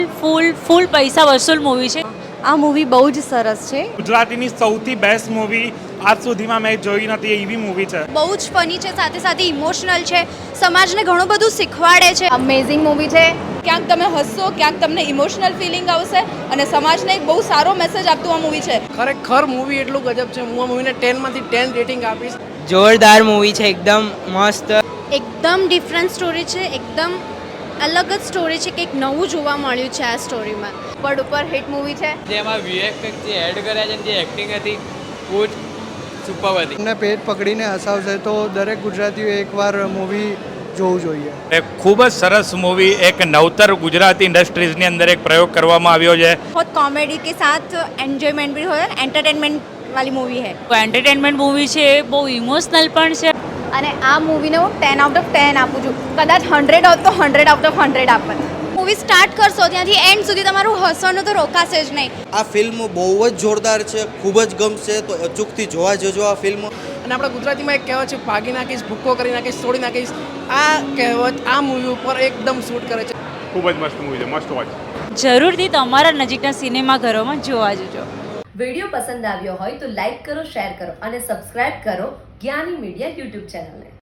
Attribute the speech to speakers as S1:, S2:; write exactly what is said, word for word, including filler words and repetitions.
S1: ફૂલ ફૂલ પૈસા વસૂલ મૂવી છે.
S2: આ મૂવી બહુ જ સરસ છે.
S3: ગુજરાતીની સૌથી બેસ્ટ મૂવી આજ સુધીમાં મેં જોઈ નથી એવી મૂવી છે.
S4: બહુ જ ફની છે, સાથે સાથે ઇમોશનલ છે, સમાજને ઘણું બધું શીખવાડે છે.
S2: અમેઝિંગ મૂવી છે.
S5: ક્યાંક તમે હસશો, ક્યાંક તમને ઇમોશનલ ફિલિંગ આવશે અને સમાજને એક બહુ સારો મેસેજ આપતું આ મૂવી છે.
S6: ખરેખર મૂવી એટલું ગજબ છે. હું આ મૂવીને ટેનમાંથી ટેન રેટિંગ આપીશ.
S7: જોરદાર મૂવી છે, એકદમ મસ્ત.
S4: એકદમ ડિફરન્ટ સ્ટોરી છે, એકદમ અલગ જ સ્ટોરી છે, કંઈક નવું જોવા મળ્યું છે આ સ્ટોરીમાં.
S2: પર ઉપર હિટ મૂવી છે.
S7: જેમાં વીએફએક્સ જે એડ કર્યા છે જે એક્ટિંગ હતી બહુ જ સુપર હતી.
S8: તમને પેટ પકડીને હસાવશે તો દરેક ગુજરાતીઓ એકવાર મૂવી જોવું જોઈએ.
S9: એક ખૂબ જ સરસ મૂવી, એક નવતર ગુજરાતી ઇન્ડસ્ટ્રીઝની અંદર એક પ્રયોગ કરવામાં આવ્યો છે.
S2: बहुत कॉमेडी के साथ एंजॉयमेंट भी हो रहा है, एंटरटेनमेंट वाली मूवी है.
S1: એન્ટરટેનમેન્ટ મૂવી છે, બહુ ઇમોશનલ પણ છે.
S2: અને આ મૂવીને હું ટેન આઉટ ઓફ ટેન આપું છું. કદાચ હંડ્રેડ હોત તો હંડ્રેડ આઉટ ઓફ હંડ્રેડ આપત.
S4: મૂવી સ્ટાર્ટ કરશો ત્યાંથી એન્ડ સુધી તમારું હસવાનું તો રોકાશે જ નહીં.
S10: આ ફિલ્મ બહુ જ જોરદાર છે, ખૂબ જ ગમશે, તો અચૂકથી જોવા જજો આ ફિલ્મ.
S6: અને આપણા ગુજરાતીમાં એક કહેવત છે, ભાગી નાખીશ, ભૂક્કો કરી નાખીશ, તોડી નાખીશ. આ કહેવત આ મૂવી ઉપર એકદમ શૂટ કરે છે.
S3: ખૂબ જ મસ્ત મૂવી છે, મસ્ટ વોચ.
S1: જરૂરથી તમારા નજીકના સિનેમાઘરોમાં જોવા જજો.
S11: વિડીયો પસંદ આવ્યો હોય તો લાઈક કરો, શેર કરો અને સબસ્ક્રાઇબ કરો જ્ઞાની મીડિયા યુટ્યુબ ચેનલને.